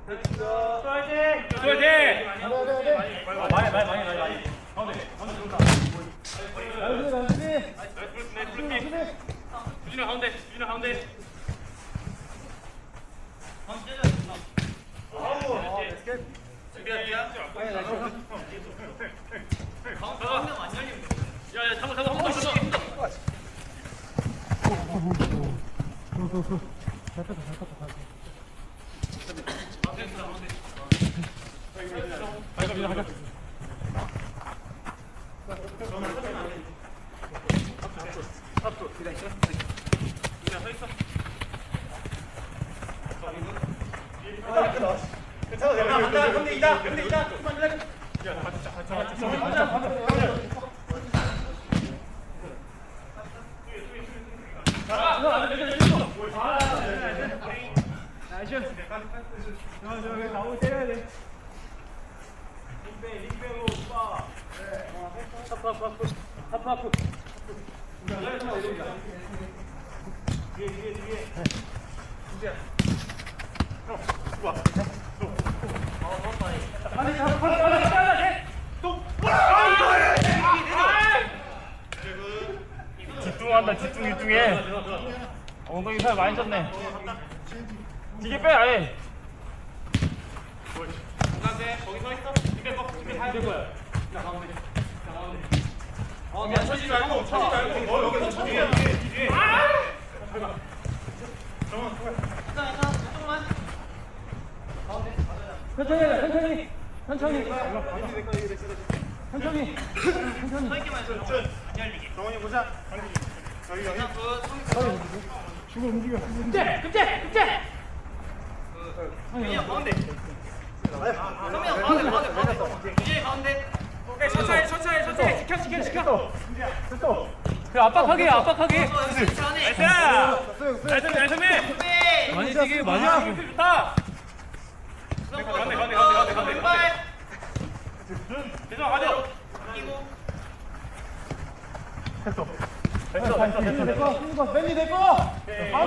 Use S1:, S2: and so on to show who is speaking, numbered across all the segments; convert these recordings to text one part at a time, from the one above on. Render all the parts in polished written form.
S1: 집중한다. 집중해. 엉덩이 살 많이 쪘네. 뒤게 빼 아예. 거기 서 있어. 뒤에 거. 뒤에 가야 될 거야. 그냥 쳐지 말고. 너 여기서 쳐지. 뒤에. 천천히. 정원이 보자. 여기. 주고 움직여. 급제. 성민이 가운데. 이제 가운데. 천천히. 지켜. 그래, 압박하게. 나이스. 많이 뛰게. 좋다. 가운데. 대장 가자. 됐어. 밴디 내 거.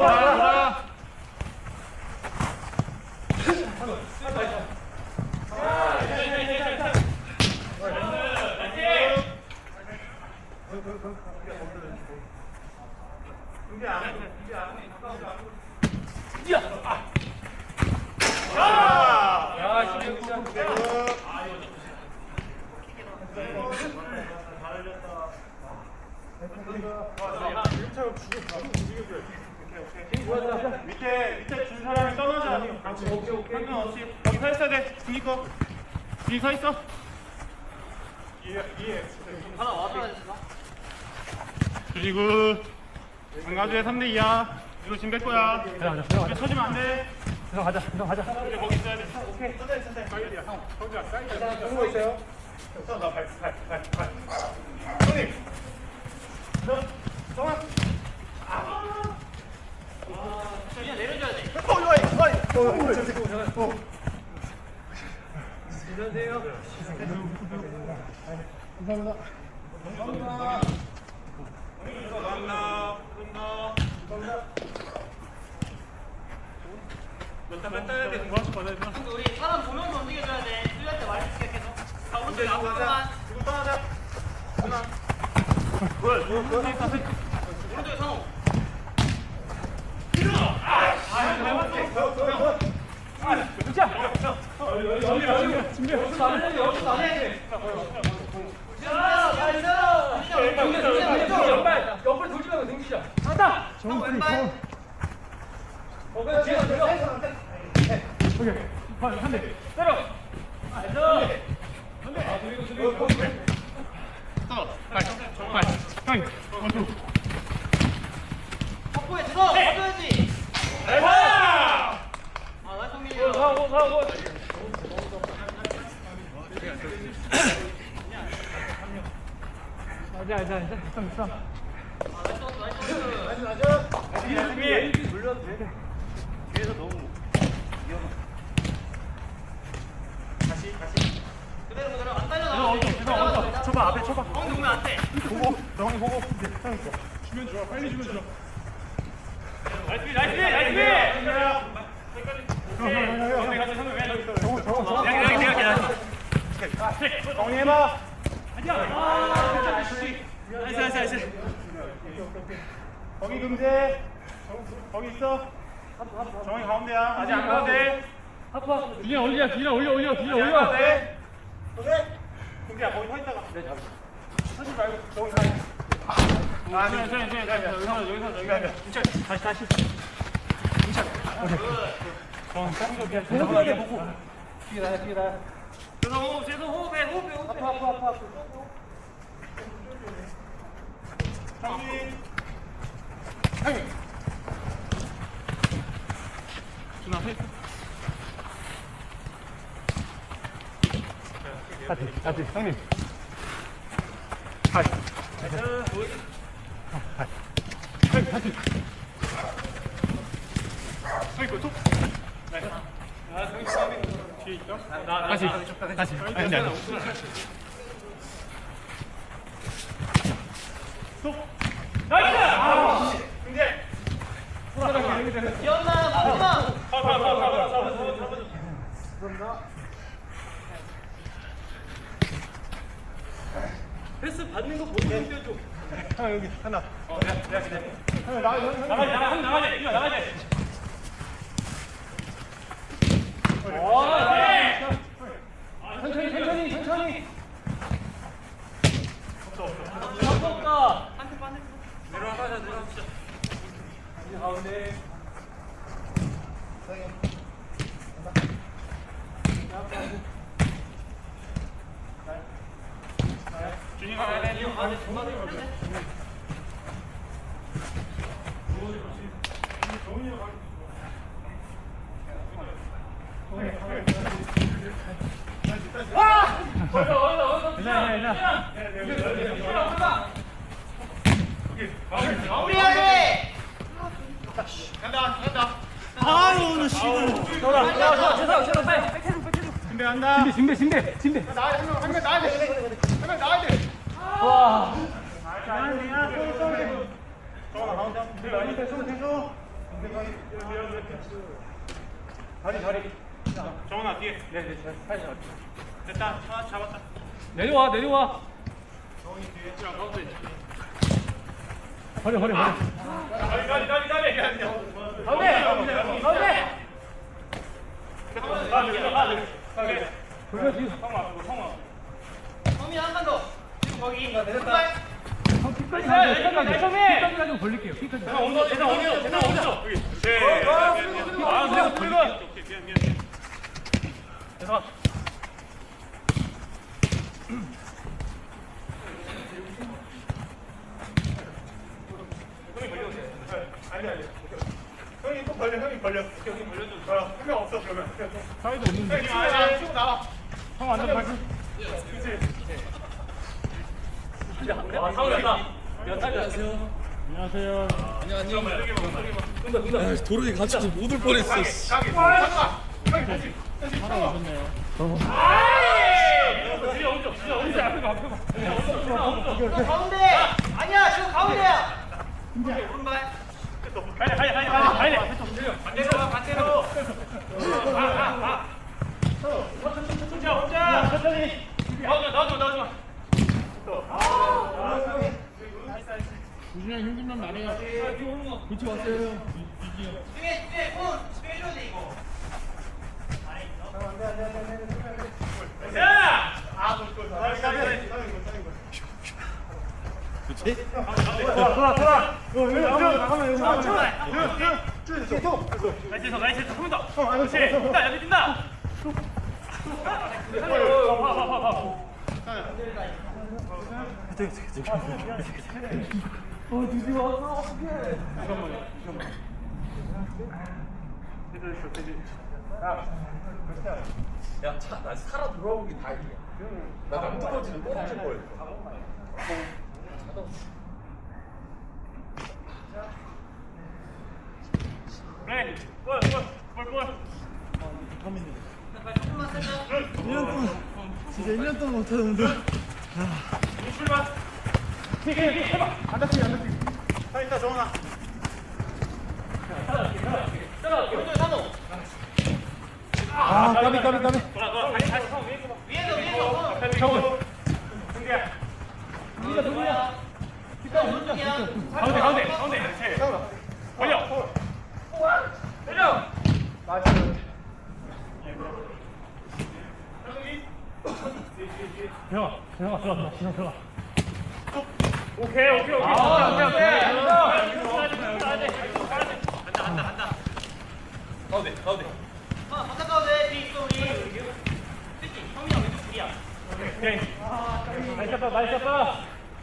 S1: 밑에 준 사람이 떠나자. 오케이. 상관없이 여기 서 있어야 돼. 뒤 서 있어. 하나 와서 그리고 강가주의 3대2야. 이거 지금 뺄 거야. 들어가자. 쳐지면 안 돼. 들어가자. 이제 거기 있어야 돼. 오케이. 사이드야. 성주야, 사이드야. 누구 있어요? 나 발. 형님. 정아. 그냥 내려줘야 돼. 안녕하세요. 감사합니다. 몇단 따야 되는 거야?
S2: 우리 사람 보면서 움직여줘야 돼. 수비할 때 많이 시작해서. 자, 오른쪽 나오자.
S1: 지금 떠나자.
S2: 오른쪽에 상호.
S1: 옆을 돌지 말고 등지자. 하다.
S2: 왼발.
S1: 오케이. 한 대. 때려.
S2: 확보해 들어. 가져야지. 아, 나 성민이.
S1: 사고. 있어. 나이스. 물려도 돼. 뒤에서 너무 위험해. 다시.
S2: 그대로 안 달려.
S1: 쳐봐, 앞에 쳐봐.
S2: 가운데 오면 안 돼.
S1: 보고. 주면 좋아. 빨리 주면 좋아. 나이스. 가운데 가자. 정리해봐.
S2: 나이스.
S1: 거기 금제. 거기 있어. 정이 가운데야. 아직 안 가도 돼.
S3: 그냥 올려.
S1: 아직 안 가도 돼. 금제야 거기 서 있다가. 서지 말고 저기 가. 여기서. 다시.
S2: 계속 호흡해.
S1: 정리.
S3: 같이 형님. 다시. 아니.
S2: 기억나, 마지막. 패스 받는 거 보고 뛰어줘.
S1: 하나 여기 하나.
S3: 천천히.
S2: 없다. 마무리해야 돼.
S1: 간다.
S2: 아유, 나 씨발. 죄송, 빨리.
S1: 준비 간다.
S3: 진배.
S1: 한명 나야 돼. 한명 나야 돼.
S3: 와.
S1: 정원아 가운데. 손 자리. 정원아 뒤에. 네. 됐다. 하나 잡았다.
S3: 내려와.
S1: 정원이 뒤에. 가운데.
S3: 버려.
S1: 가비. 가운데.
S3: 돌려 뒤.
S1: 성아.
S2: 범인 한번 더. 지금 거기.
S3: 끝까지 가지고 벌릴게요. 끝까지.
S1: 대상 온다. 여기. 그냥 미안. 대상. 아니. 형이 또 벌려. 형이 벌려줘. 한명 없어 그러면.
S3: 사이드 없는데.
S1: 치고 나와.
S3: 형 완전 발표.
S1: 그렇지.
S2: 와, 사오렸다.
S3: 안녕하세요.
S4: 도로에 갇혀서 못 올 뻔했어.
S1: 가게.
S3: 오셨네요.
S2: 가운데. 아니야, 지금 가운데야. 오른발.
S1: 가야 돼.
S2: 반대로.
S1: 천천히. 나와줘.
S3: 우진이 형 힘들면 말해요. 그치 왔어요.
S2: 뒤에 손 빼줘야 돼 이거.
S1: 돌아. 나가면
S2: 나이스. 조금 더. 그렇지. 여기 뛴다.
S4: 야, 나 살아 돌아오기 다행이야. 나 남떨어지는 떨어질 뻔했어.
S1: 그래. 골.
S2: 조금만 살짝.
S4: 1년 동안 진짜 1년 동안 못하던 운동.
S1: 출발. 해봐. 안 다치게. 서 있다 정원아.
S3: 아, 까비.
S2: 위에서.
S1: 성훈. 승기야.
S2: 오른쪽이야.
S1: 가운데. 걸려. 내려.
S3: 들어가.
S1: 오케이. 가운데.
S2: 바깥 가운데 뒤 있어 우리. 그치? 형이랑 왼쪽 둘이야.
S1: 오케이.
S3: 나이스 쳤다.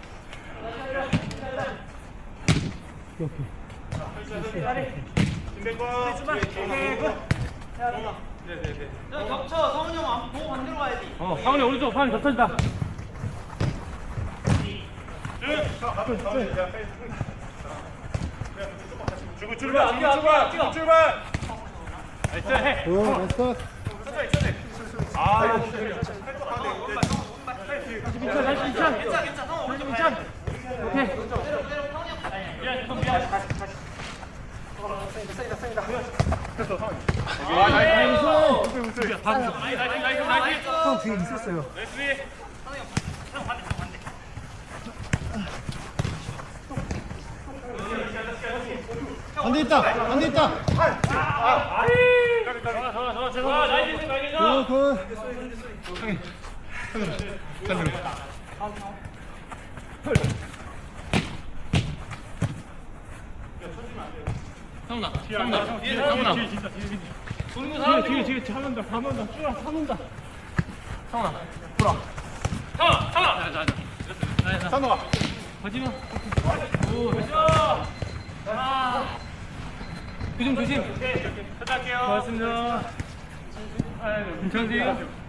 S1: 준비했고.
S2: 저 겹쳐. 성훈이 형 앞 보고 반대로 가야지.
S3: 상훈이 오른쪽 판 겹쳐진다.
S1: 주고 출발. 나이스 해. 아,
S2: 괜찮아. 성훈 오른쪽 가야 돼.
S3: 오케이.
S2: 그대로 성훈이 형 가야 돼.
S1: 나이스.
S3: 형 뒤에 있었어요.
S1: 나이스.
S3: 안돼 있다.
S1: 좋아. 나이스.
S3: 굿. 뒤에 차는다. 차는다.
S1: 선호가.
S3: 가지마. 조심.
S1: 할게요.
S3: 고맙습니다. 괜찮지?